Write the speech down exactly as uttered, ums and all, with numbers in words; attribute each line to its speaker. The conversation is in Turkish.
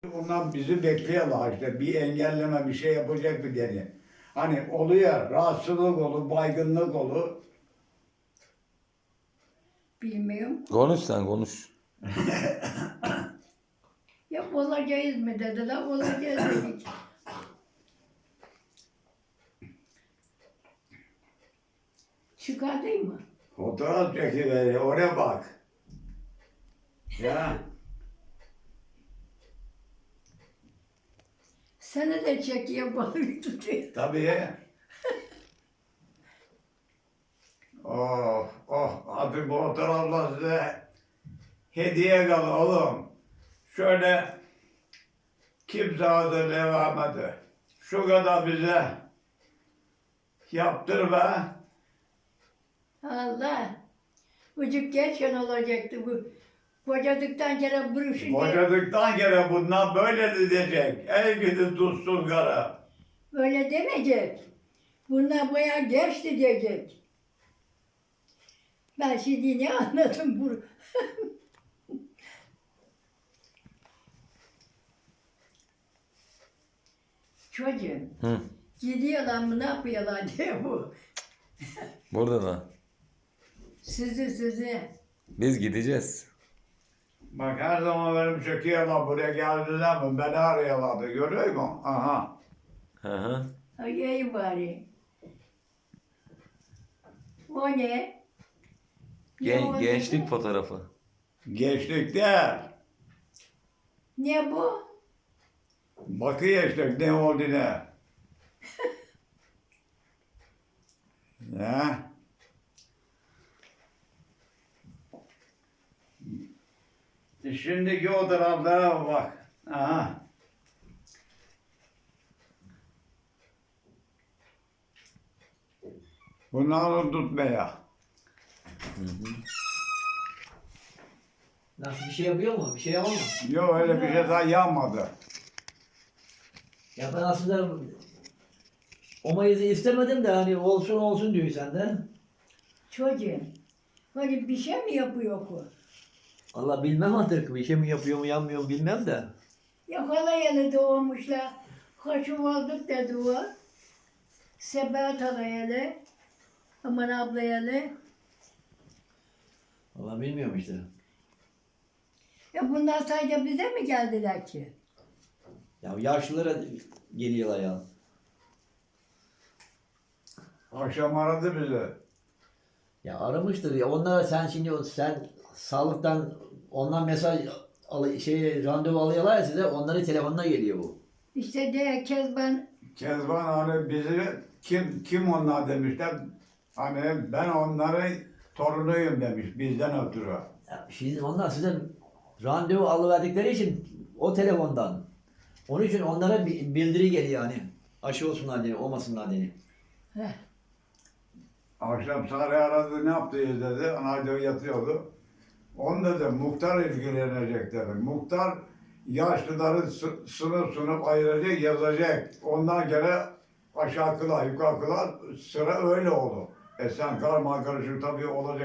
Speaker 1: Bundan bizi bekliyorlar işte bir engelleme bir şey yapacak bir diye. Hani oluyor rahatsızlık olur, baygınlık olur.
Speaker 2: Bilmiyorum.
Speaker 3: Konuş sen konuş.
Speaker 2: Ya olacağız mı dediler, olacağız dedik. Çıkardın mı?
Speaker 1: Fotoğraf çekiveriyor oraya bak. Ya
Speaker 2: Seni de çekiyor, balık tutuyor.
Speaker 1: tabii. Oh oh hadi bu fotoğrafla size hediye kal oğlum. Şöyle kimse adı devam eder. Şu kadar bize yaptır be.
Speaker 2: Allah. Ucuk geçen olacaktı bu. Kocadıktan kere buruşunca
Speaker 1: Boşadıktan kere bundan böyle diyecek. Ey gidi tutsun kara.
Speaker 2: öyle demeyecek. Bunlar bayağı geçti diyecek. Ben şimdi ne anladım bu? Çocuğum,
Speaker 3: Hı.
Speaker 2: gidiyorlar mı ne yapıyorlar diye bu.
Speaker 3: Burada da.
Speaker 2: Sizi sizi.
Speaker 3: Biz gideceğiz.
Speaker 1: Bak her zaman benim çekiyorlar buraya geldiler mi beni arıyorlardı görüyor musun? Aha.
Speaker 3: Hı hı.
Speaker 2: Ay iyi bari. O ne? Ne
Speaker 3: Gen
Speaker 2: o
Speaker 3: gençlik
Speaker 2: dedi?
Speaker 3: fotoğrafı.
Speaker 1: Geçtikte
Speaker 2: Ne bu?
Speaker 1: bakıyor işte ne oldu ne. Ya. Şimdiki o taraflara bak. Aha. Bunları tutmaya.
Speaker 4: Nasıl bir şey yapıyor mu? Bir şey yapamam.
Speaker 1: Yok öyle bir şey daha yanmadı.
Speaker 4: Ya ben aslında o mayızı istemedim de hani olsun olsun diyor senden.
Speaker 2: Çocuğum. Hani bir şey mi yapıyor bu?
Speaker 4: Allah bilmem artık bir şey mi yapıyor mu yanmıyor mu bilmem de.
Speaker 2: Ya halayalı doğmuşlar. Hoşum olduk dedi o. Sebat halayalı. Aman ablayalı.
Speaker 4: Allah bilmiyorum işte.
Speaker 2: Ya bunlar sadece bize mi geldiler ki?
Speaker 4: Ya yaşlılara geliyorlar ya.
Speaker 1: Akşam aradı bizi.
Speaker 4: Ya aramıştır ya onlara sen şimdi sen sağlıktan ondan mesaj al, şey randevu alıyorlar ya size onların telefonuna geliyor bu.
Speaker 2: İşte de Kezban
Speaker 1: Kezban hani bizi kim kim onlar demişler. Hani ben onların torunuyum demiş bizden ötürü.
Speaker 4: Ya şimdi onlar size randevu alıverdikleri için o telefondan. Onun için onlara bir bildiri geliyor hani. Aşı olsunlar diye, olmasınlar diye.
Speaker 2: heh,
Speaker 1: Akşam Sarı aradı ne yaptınız dedi. Anadolu yatıyordu. On dedi muhtar ilgilenecek dedi. Muhtar yaşlıları sı- sınıf sınıf ayıracak yazacak. Ondan kere aşağı kılar yukarı kılar sıra öyle oldu. E sen karma karışık tabii olacak.